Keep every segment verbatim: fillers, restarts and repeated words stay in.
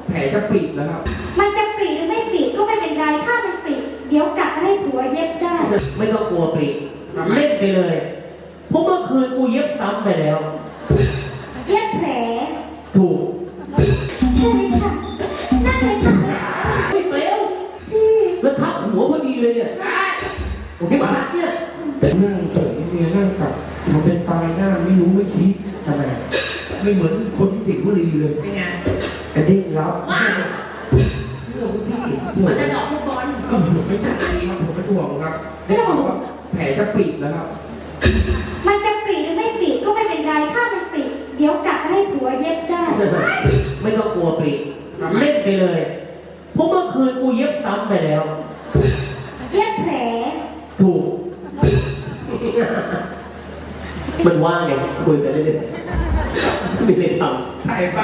แผลจะปริแล้วครับมันจะปริหรือไม่ปริก็ไม่เป็นไรถ้ามันปริเดี๋ยวกลับให้ผัวเย็บได้ไม่ต้องกลัวปริเล่นไปเลยเพราะเมื่อคืนกูเย็บซ้ำไปแล้วเย็บแผลถูกใช่ค่ะนั่งเลยค่ะไม่เปลวแล้วทับหัวพอดีเลยเนี่ยโอเคชัดเนี่ยนั่งเฉยเมียนั่งกับทำเป็นตายหน้าไม่รู้ไม่ชี้ทำไมไม่เหมือนคนที่สิงห์บุรีเลยเป็นไงกระเด้งรับเรื่องสิมันจะดอกฟุตบอลก็ไม่ใช่ครับผมเป็นห่วงครับได้ข่าวว่าแผลจะปริแล้วครับมันจะปริหรือไม่ปริก็ไม่เป็นไรถ้ามันปริเดี๋ยวกลับให้ผัวเย็บได้ไม่ต้องกลัวปริเล่นไปเลยเพราะเมื่อคืนกูเย็บซ้ำไปแล้วเย็บแผลถูกมันว่างไงคุยกันเรื่อยๆไม่ได้ทำใช่เปล่า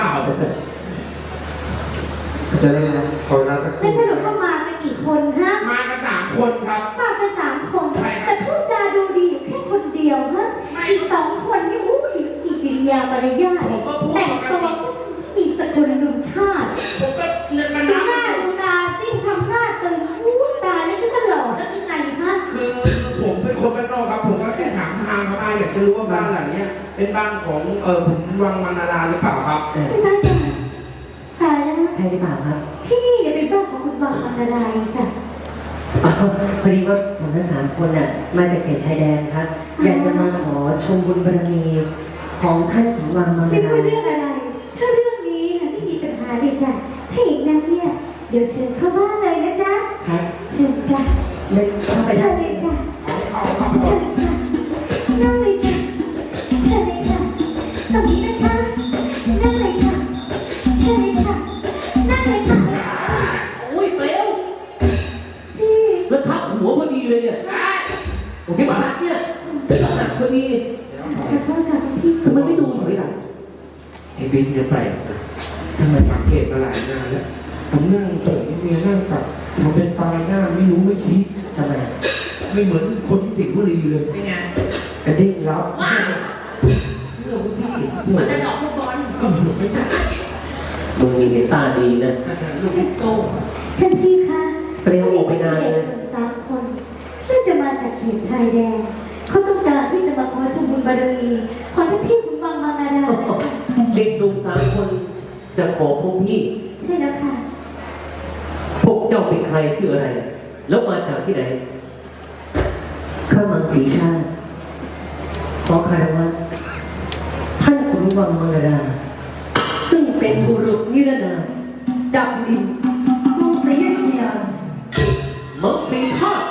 จะได้ขอเวลาสักครู่แล้วสรุปว่ามากันกี่คนฮะมากันสามคนครับมากันสามคนแต่พูดจาดูดีอยู่แค่คนเดียวฮะอีกสองคนนี่อู้ยอีกิริยามารยาทแต่งตัวอีสกุลลุงชาติผมก็เลือกกันนะหน้าดูตาซิ่งทำหน้าตึงอู้ตาแล้วก็หล่อแล้วยังไงฮะคือผมเป็นคนบ้านนอกครับผมก็แค่ถามทางเขาอยากจะรู้ว่าบ้านหลังนี้เป็นบ้านของเออผมวังมานาราหรือเปล่าครับไม่ได้จ้ะตายแล้วใช่หรือเปล่าครับที่นี่เนี่ยเป็นบ้านของคุณวังมานาราจ้ะพอดีว่าผมทั้งสามคนน่ะมาจากเขตชายแดนครับอยากจะมาขอชมบุญบารมีของท่านของวังมานาราไม่ว่าเรื่องอะไรถ้าเรื่องนี้นะไม่มีปัญหาเลยจ้ะถ้าอย่างนั้นเนี่ยเดี๋ยวเชิญเข้าบ้านเลยนะจ๊ะเชิญจ้ะเชิญเข้าไปเชิญเลยจ้ะเชิญค่ะนั่งเลยจ้ะเชิญเลยค่ะตรงนี้นะคะนั่งเลยค่ะเชิญเลยค่ะนั่งเลยค่ะโอ้ยเปลวพี่แล้วทับหัวพอดีเลยเนี่ยโอเคชัดเนี่ยหนักพอดีขอโทษค่ะพี่ทำไมไม่ดูถอยหลังไอ้บิ๊กเนี่ยแปลกนะทำไมสังเกตมาหลายงานแล้วผมนั่งเฉยเมียนั่งกับทำเป็นตายหน้าไม่รู้ไม่ชี้ทำไมไม่เหมือนคนที่สิงห์บุรีเลยเป็นไงกระเด้งรับเรื่องสิมันจะดอกฟุตบอลก็ไม่ใช่มึงมีเห็นตาดีนะลูกโตท่านพี่คะเปรี้ยวออกไปนานเลยสามคนน่าจะมาจากเขตชายแดนเขาต้องการที่จะมาขอชมบุญบารมีขอท่านพี่คุณวังมานาราเด็กดุสามคนจะขอพวกพี่ใช่แล้วค่ะพวกเจ้าเป็นใครชื่ออะไรแล้วมาจากที่ไหนข้ามังสีชาติขอคารวะท่านขุนวังมานาราซึ่งเป็นบุรุษนิรนามจากดินกรุงศรีอยุธยามังสีชาติ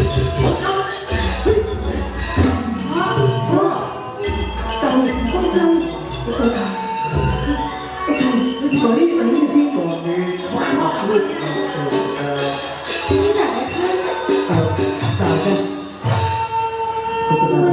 ก่อนนี้อันนี้ที่ก่อนนี้ความรักลึกที่นี่จากไหนคะตามตามกันคุณตา